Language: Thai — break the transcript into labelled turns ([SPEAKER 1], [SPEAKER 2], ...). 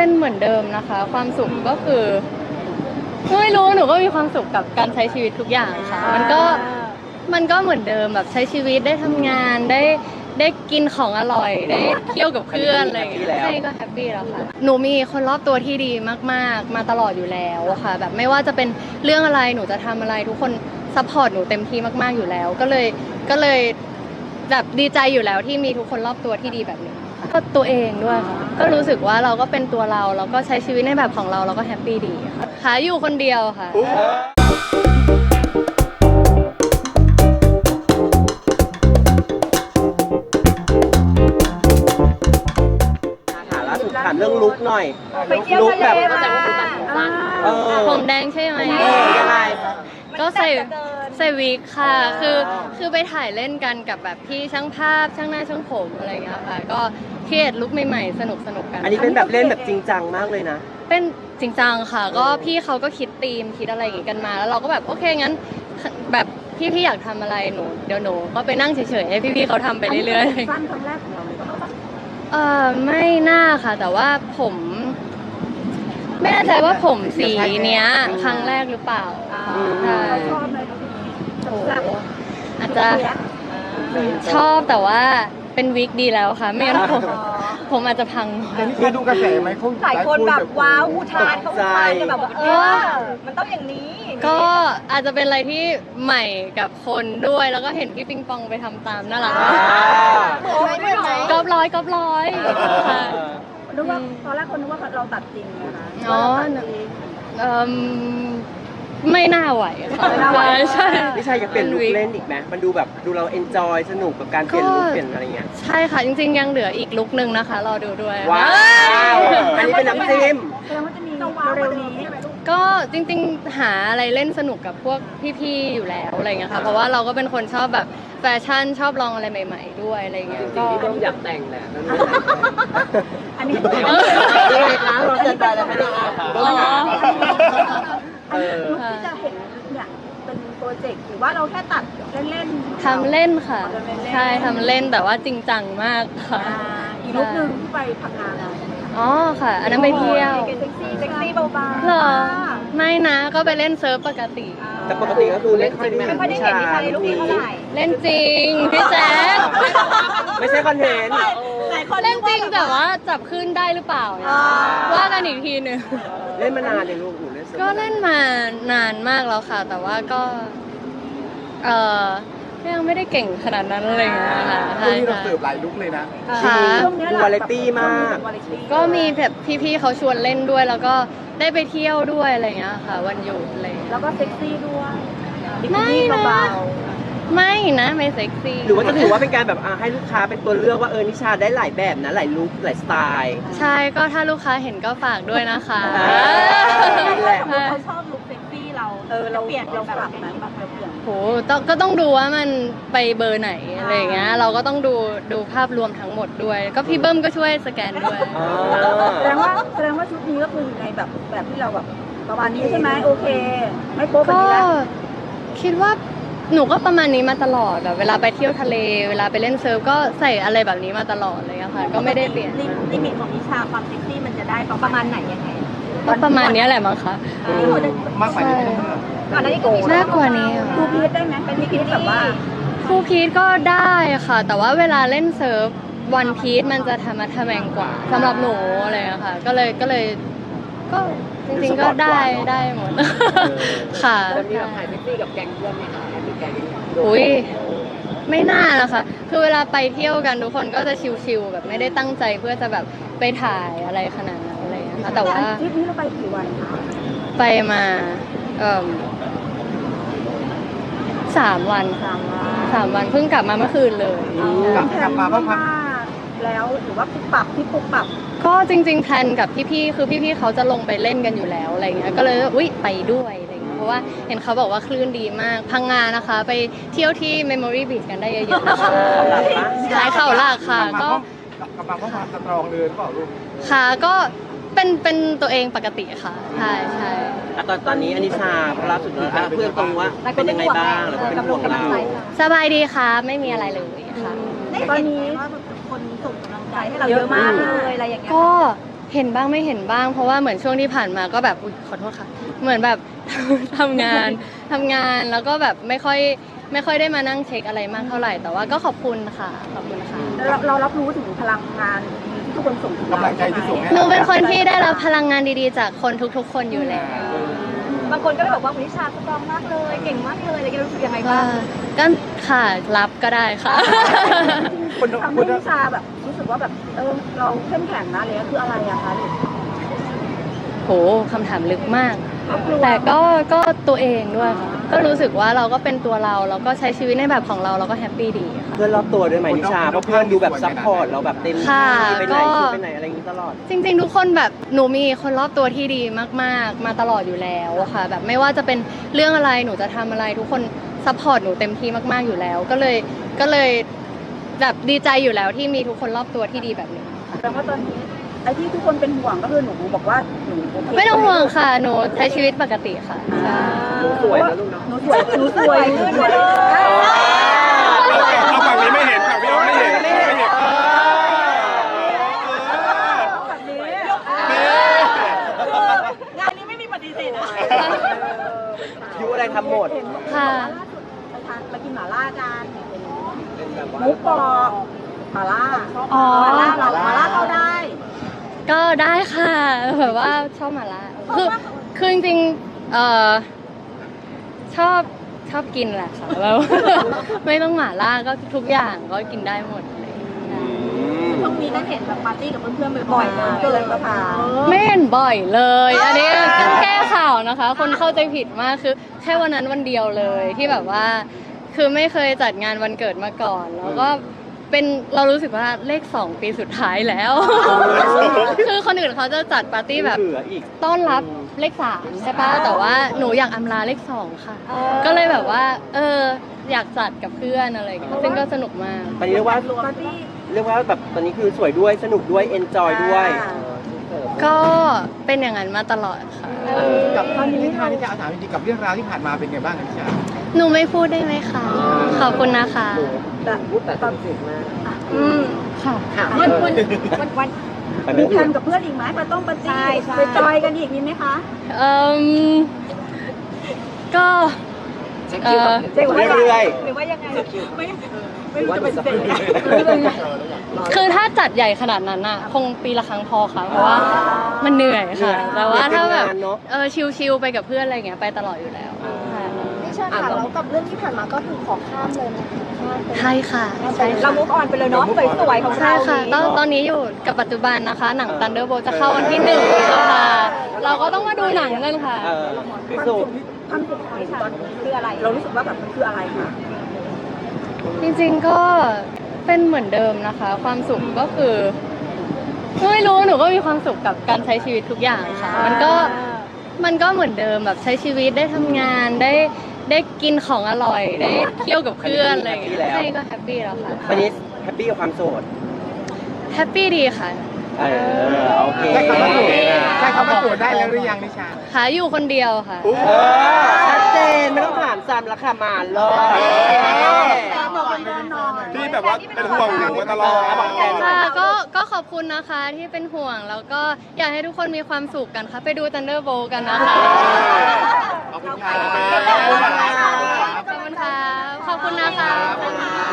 [SPEAKER 1] เป็นเหมือนเดิมนะคะ ความสุขก็คือไม่รู้หนูก็มีความสุขกับการใช้ชีวิตทุกอย่างค่ะมันก็เหมือนเดิมแบบใช้ชีวิตได้ทำงานได้กินของอร่อยได้เที่ยวกับเพื่อนอะไรอย่างเงี้ยใช่ก็แฮปปี้แล้วค่ะหนูมีคนรอบตัวที่ดีมากๆมาตลอดอยู่แล้วค่ะแบบไม่ว่าจะเป็นเรื่องอะไรหนูจะทำอะไรทุกคนซัพพอร์ตหนูเต็มที่มากๆอยู่แล้วก็เลยแบบดีใจอยู่แล้วที่มีทุกคนรอบตัวที่ดีแบบนี้ค่ะก็ตัวเองด้วยค่ะก็รู้สึกว่าเราก็เป็นตัวเราก็ใช้ชีวิตในแบบของเราก็แฮปปี้ดีค่ะอยู่คนเดียวค่ะ
[SPEAKER 2] ถามเรื่องลุคหน่อยลุคแบบ
[SPEAKER 1] ผมแดงใช่ไหม
[SPEAKER 2] ยังไง
[SPEAKER 1] ก็ใส่วิกค่ะคือไปถ่ายเล่นกันกับแบบพี่ช่างภาพช่างหน้าช่างผมอะไรอย่างเงี้ยค่ะก็เครียดลุคใหม่ๆสนุกกัน
[SPEAKER 2] อันนี้เป็นแบบเล่นแบบจริงจังมากเลยนะ
[SPEAKER 1] เป็นจริงจังค่ะก็พี่เขาก็คิดธีมคิดอะไรอย่างงี้กันมาแล้วเราก็แบบโอเคงั้นแบบพี่อยากทำอะไรเดี๋ยวหนูก็ไปนั่งเฉยๆให้พี่เขาทำไปเรื่อยๆ
[SPEAKER 3] สั้นครั้งแรกของเราเลย
[SPEAKER 1] ไม่น่าค่ะแต่ว่าผมไม่แน่ใจว่าผมสีเนี้ยครั้งแรกหรือเปล่าใช่โอ้อาจจะชอบแต่ว่าเป็นวิกดีแล้วค่ะไม่งั้นผมอาจจะพัง
[SPEAKER 4] คือดูกระแสไหมเขา
[SPEAKER 3] หลายคนแบบว้าวอุทานเขาอุทานกันแบบว่ามันต้องอย่างนี้
[SPEAKER 1] ก็อาจจะเป็นอะไรที่ใหม่กับคนด้วยแล้วก็เห็นพี่ปิงปองไปทำตามน่ารักกอบร้อยค่ะ
[SPEAKER 3] นึกว่าตอนแรกคนนึกว่าเราตัดจริงนะคะ
[SPEAKER 1] อ๋อไม่น่าไหวค่ะใช่
[SPEAKER 2] ไม่ใช่อยากเปลี่ยนลุคเล่นอีกไหมมันดูแบบดูเราเอนจอยสนุกกับการเปลี่ยนลุคเปลี่ยนอะไรเงี้ย
[SPEAKER 1] ใช่ค่ะจริงๆยังเหลืออีกลุคนึงนะคะรอดูด้วย
[SPEAKER 2] ว้าวอันนี้เป็นน้ำจิ้ม
[SPEAKER 3] แสดงว่าจะมีเร็วนี้
[SPEAKER 1] ก็จริงๆหาอะไรเล่นสนุกกับพวกพี่ๆอยู่แล้วอะไรเงี้ยค่ะเพราะว่าเราก็เป็นคนชอบแบบแฟชั่นชอบลองอะไรใหม่ๆด้วยอะไรเงี้ยก็
[SPEAKER 2] พี่ต้องอยากแต่งแหละ
[SPEAKER 3] อันนี้
[SPEAKER 2] เราเกินไปแล้วไม่ได้
[SPEAKER 3] ที่จะเห็นเนี่ยเป็นโปรเจกต์หรือว่าเราแค่ตัดเล่น
[SPEAKER 1] ๆทำเล่นค่ะใช่ทำเล่นแต่ว่าจริงจังมากค่ะ
[SPEAKER 3] อีกลุคนึงที่ไปพังงาน
[SPEAKER 1] อ๋อค่ะอันนั้นไปเที่ยว
[SPEAKER 3] เซ็กซี่เบาๆ
[SPEAKER 1] หรอไม่นะก็ไปเล่นเซิร์ฟปกติ
[SPEAKER 2] แต่ปกติก็คือเล่นจริง
[SPEAKER 3] ไม่ค่อยได้เห็นนิชาในลุคนี้เท่าไหร่
[SPEAKER 1] เล่นจริงพี่แจ๊ค
[SPEAKER 2] ไม่ใช่คอนเทนต์
[SPEAKER 1] เล่นจริงแต่ว่าจับขึ้นได้หรือเปล่าว่ากันอีกทีนึง
[SPEAKER 2] เล่นมานานเลยลูกหนูเล่น
[SPEAKER 1] ก็เล่นมานานมากแล้วค่ะแต่ว่าก็ยังไม่ได้เก่งขนาดนั้นอะไรอย่างเงี้ยค่ะ
[SPEAKER 4] ใช่เราเสิร์ฟหลายลุกเลยนะ
[SPEAKER 1] ค่ะ
[SPEAKER 2] ดูวาไรตี้มาก
[SPEAKER 1] ก็มีแบบพี่ๆเขาชวนเล่นด้วยแล้วก็ได้ไปเที่ยวด้วยอะไรอย่างเงี้ยค่ะวันหยุดอะไร
[SPEAKER 3] แล้วก็เซ็กซี่ด้วย
[SPEAKER 1] ไม่นะไม่นะไม่เซ็กซี่
[SPEAKER 2] หรือว่าจะถือว่าเป็นการแบบให้ลูกค้าเป็นตัวเลือกว่านิชาได้หลายแบบนะหลายลุคหลายสไตล์
[SPEAKER 1] ใช่ก็ถ้าลูกค้าเห็นก็ฝากด้วยนะคะ
[SPEAKER 3] เขาชอบลุคเซ็กซี่เราเปลี่ยนเราปรับนะแบบเราเปลี่ยน
[SPEAKER 1] โหก็ต้องดูว่ามันไปเบอร์ไหนอะไรอย่างเงี้ยเราก็ต้องดูภาพรวมทั้งหมดด้วยก็พี่เบิ้มก็ช่วยสแกนด้วย
[SPEAKER 3] แสดงว่าชุดนี้ก็คืออยู่ในแบบที่เราแบบประมาณนี้ใช่ไหมโอเคไม่โป๊ะแบบนี้แล้ว
[SPEAKER 1] คิดว่าหนูก็ประมาณนี้มาตลอดแบบเวลาไปเที่ยวทะเลเวลาไปเล่นเซิร์ฟก็ใส่อะไรแบบนี้มาตลอดเลยค่ะก็ไม่ได้เปลี่ยน
[SPEAKER 3] ลิมิตของนิชาความเซ็กซี่มันจะได้ประมาณไหนยังไง
[SPEAKER 1] ก็ประมาณนี้แหละมั้งคะ
[SPEAKER 4] มากกว่านี้
[SPEAKER 3] ก่อนหน้านี้ก็
[SPEAKER 1] มากกว่านี้
[SPEAKER 3] ครูพีทได้ไหมเป็นพีทแบบว่า
[SPEAKER 1] ครูพีทก็ได้ค่ะแต่ว่าเวลาเล่นเซิร์ฟวันพีทมันจะทำมาทำแมงกว่าสำหรับหนูอะไรอะค่ะก็เลยก็จริงๆก็ได้หมดค่ะ
[SPEAKER 2] จะมีแบบถ่ายเซ็กซี่กับแก๊งเพื่อนไหมคะมีแก๊ง
[SPEAKER 1] อุ้ยไม่น่านะคะคือเวลาไปเที่ยวกันทุกคนก็จะชิลๆแบบไม่ได้ตั้งใจเพื่อจะแบบไปถ่ายอะไรขนาดนั้นอะไรนะคะแต่ว่า
[SPEAKER 3] ทริปนี้เราไปกี่วันคะ
[SPEAKER 1] ไปมา3 วัน3 วันเพิ่งกลับมาเมื่อคืนเลย
[SPEAKER 4] กลับมาบ้างครับ
[SPEAKER 3] แล้วหรือว่าปุ๊บปับ
[SPEAKER 1] ก็จริงๆแพลนกับพี่ๆคือพี่ๆเขาจะลงไปเล่นกันอยู่แล้วอะไรเงี้ยก็เลยไปด้วยอะไรเงี้ยเพราะว่าเห็นเขาบอกว่าคลื่นดีมากพังงานะคะไปเที่ยวที่ Memory Beach กันได้เยอะๆนะคะใช่เข่าหลักค่ะก็
[SPEAKER 4] กำลังว่าความสตรองเลยหรือเปล่าลูก
[SPEAKER 1] ค่ะก็เป็นตัวเองปกติค่ะใช่
[SPEAKER 2] ตอนนี้อนิชาพระสุดเพื่อนตรงว่าเป็นยังไงบ้างแล้วก็เป็นห่วงเรา
[SPEAKER 1] สบายดีค่ะไม่มีอะไรเลยค่ะ
[SPEAKER 3] ตอนนี้คนส่งกำลังใจให้เราเยอะมากเลยอะไรอย่างเงี้ย
[SPEAKER 1] ก็เห็นบ้างไม่เห็นบ้างเพราะว่าเหมือนช่วงที่ผ่านมาก็แบบอุ๊ยขอโทษค่ะเหมือนแบบ ทำงานแล้วก็แบบไม่ค่อยได้มานั่งเช็คอะไรมากเท่าไหร่แต่ว่าก็ขอบคุณค่ะขอบคุณค่ะ
[SPEAKER 3] เรารับรู้ถึงพลังงานดีๆที่ทุกคนส่งถึงเรา
[SPEAKER 4] กำลังใจที่ส่งให้
[SPEAKER 1] หนูเป็นคนที่ได้รับพลังงานดีๆจากคนทุกๆ คนอยู่แล้ว
[SPEAKER 3] บางคนก็เลยบอกว่านิชาสตรองมากเลยเก่งมากเลยอะไรกันรู้สึกยังไง
[SPEAKER 1] ก็
[SPEAKER 3] บ้าง
[SPEAKER 1] ก็ค่ะรับก็ได้ค่ะ
[SPEAKER 3] ทำให้นิชาแบบรู้สึกว่าแบบเราเข้มแข็งนะเลยคืออะไรอะคะ
[SPEAKER 1] โหคำถามลึกมาก แต่ก็ตัวเองด้วยค่ะก็รู้สึกว่าเราก็เป็นตัวเราแล้วก็ใช้ชีวิตในแบบของเราก็แฮปปี้ดีค่ะ
[SPEAKER 2] เพื่อนรอบตัวด้วยไหมนิชาเพราะเพื่อนดูแบบซัพพอร์ตเราแบบเต็มที่
[SPEAKER 1] ค่ะ
[SPEAKER 2] ไปไหน
[SPEAKER 1] ก็
[SPEAKER 2] คือไปไหนอะไรอย่างนี้ตลอด
[SPEAKER 1] จริงๆทุกคนแบบหนูมีคนรอบตัวที่ดีมากๆมาตลอดอยู่แล้วค่ะแบบไม่ว่าจะเป็นเรื่องอะไรหนูจะทำอะไรทุกคนซัพพอร์ตหนูเต็มที่มากๆอยู่แล้ว ก็เลยแบบดีใจอยู่แล้วที่มีทุกคนรอบตัวที่ดีแบบนี้ค่ะ
[SPEAKER 3] แต่ว่าตอนนี้ไอ้ที่ทุกคนเป็นห่วงก็คือหนูบอกว่าหนูโอเค
[SPEAKER 1] ไม่ต้องห่วงค่ะหนูใช้ชีวิตปกติค่ะใช่
[SPEAKER 2] หนูสวยนะลูกเนาะ
[SPEAKER 3] หนูสวยขึ้นเลย
[SPEAKER 4] เอาฝั่งนี้ไม่เห็นฝั่งพี่อ้อมไม่เห็นไม่เห็น
[SPEAKER 3] แบบนี้งานนี้ไม่มีปฏิเสธนะ
[SPEAKER 2] ยุอะไรทำหมด
[SPEAKER 1] ค่ะ
[SPEAKER 3] ไปกินหม่าล่ากัน
[SPEAKER 2] เป็นแบบว่า
[SPEAKER 3] มุกปอกหม่าล่า
[SPEAKER 1] อ๋อ
[SPEAKER 3] หม่าล่าเข้าได้
[SPEAKER 1] ก็ได้ค่ะแบบว่าชอบหมาล่าคือจริงๆชอบกินแหละค่ะแล้ว ไม่ต้องหมาล่าก็ทุกอย่างก็กินได้หมดเลย
[SPEAKER 3] ช่วงนี้ได้เห็นแบบปาร์ตี้กับเพื่อนๆบ่อยๆเกินประมาณ
[SPEAKER 1] ไม่เห็นบ่อยเลย อันนี้ต้องแก้ข่าวนะคะ คนเข้าใจผิดมากคือแค่วันนั้นวันเดียวเลยที่แบบว่า คือไม่เคยจัดงานวันเกิดมาก่อน แล้วก็เรารู้สึกว่าเลข2ปีสุดท้ายแล้ว คือคนอื่นเขาจะจัดปาร์ตี้แบบ
[SPEAKER 2] เหลืออีก
[SPEAKER 1] ต้อนรับเลข3ใช่ปะแต่ว่าหนูอยากอำลาเลข2ค่ะ ก็เลยแบบว่าอยากจัดกับเพื่อนอะไรอย่างเงี้ยซึ่งก็สนุกมาก
[SPEAKER 2] ตอนนี้เรียกว่า
[SPEAKER 3] ปาร์ตี้
[SPEAKER 2] แบบตอนนี้คือสวยด้วยสนุกด้วยเอนจอยด้วย
[SPEAKER 1] ก็เป็นอย่างนั้นมาตลอดค่ะ
[SPEAKER 4] กับท่านนิชาถามจริงๆกับเรื่องราวที่ผ่านมาเป็นไงบ้างนิชา
[SPEAKER 1] หนูไม่พูดได้ไหมคะ ขอบคุณนะคะ
[SPEAKER 2] แต่ตอนสิบมาก
[SPEAKER 1] ค่ะ
[SPEAKER 3] วัน
[SPEAKER 2] ไป
[SPEAKER 3] มี
[SPEAKER 2] ไม่
[SPEAKER 3] แพลนกับเพื่อนอีกไหมไปต้องปาร์ตี้ไปจอยกันอีกมีไหมคะ
[SPEAKER 1] ก็
[SPEAKER 2] เช็คคิวเรื่อย
[SPEAKER 3] หรือว่ายังไงไม่รู้
[SPEAKER 2] ว่า
[SPEAKER 3] จะ
[SPEAKER 2] จะ
[SPEAKER 3] เป็น
[SPEAKER 2] เป็น
[SPEAKER 3] เซ็น
[SPEAKER 1] คือถ้าจัดใหญ่ขนาดนั้นอะคงปีละครั้งพอค่ะ เพราะว่ามันเหนื่อยค่ะ แต่ว่าถ้าแบบชิลๆไปกับเพื่อนอะไรเงี้ยไปตลอดอยู่แล้วค่ะ
[SPEAKER 3] นิชาค่ะแล้วกับเรื่องที่ผ่านมาก็คือขอข้ามเลยนะคะ
[SPEAKER 1] ใช่ค่ะใช่
[SPEAKER 3] เรา
[SPEAKER 1] ค่ะ
[SPEAKER 3] มุกออนไปเลยเนาะสวยๆของ
[SPEAKER 1] ใช่
[SPEAKER 3] เรา
[SPEAKER 1] ค่ะตอนนี้อยู่กับปัจจุบันนะคะ หนัง Thunderbolt จะเข้าวันที่1ค่ะเราก็ต้องมาดูหนังกันค่ะ
[SPEAKER 2] สุด
[SPEAKER 3] ความสุขของนิชาคืออะไร เรารู้สึกว่าแบบมันคืออะไรคะ
[SPEAKER 1] จริงๆก็เป็นเหมือนเดิมนะคะ ความสุขก็คือไม่รู้หนูก็มีความสุขกับการใช้ชีวิตทุกอย่างค่ะ มันก็เหมือนเดิมแบบใช้ชีวิตได้ทำงานได้กินของอร่อยได้เที่ยวกับเพื่อนอะไรอย่างเงี้ยใช่ก็แฮปปี้แล้วค่ะ
[SPEAKER 2] วันนี้แฮปปี้กับความโสด
[SPEAKER 1] แฮปปี้ดีค่ะ
[SPEAKER 2] โอเค
[SPEAKER 4] ใช้คำว่าโสดใช้คำว่าโสดได้แล้วหรือยังนิชา
[SPEAKER 1] หาอยู่คนเดียวค่ะ
[SPEAKER 2] ชัดเจนไม่ต้องถามซ้ำแล้วค่ะมาเลย
[SPEAKER 4] ที่แบบว่าเป็นห่วงหนูมาตลอด
[SPEAKER 1] ค่ะก็ขอบคุณนะคะที่เป็นห่วงแล้วก็อยากให้ทุกคนมีความสุขกันค่ะไปดู Thunderbolt กันนะคะ
[SPEAKER 4] ขอบคุณค่ะ
[SPEAKER 1] ขอบคุณค่ะขอบคุณนะคะ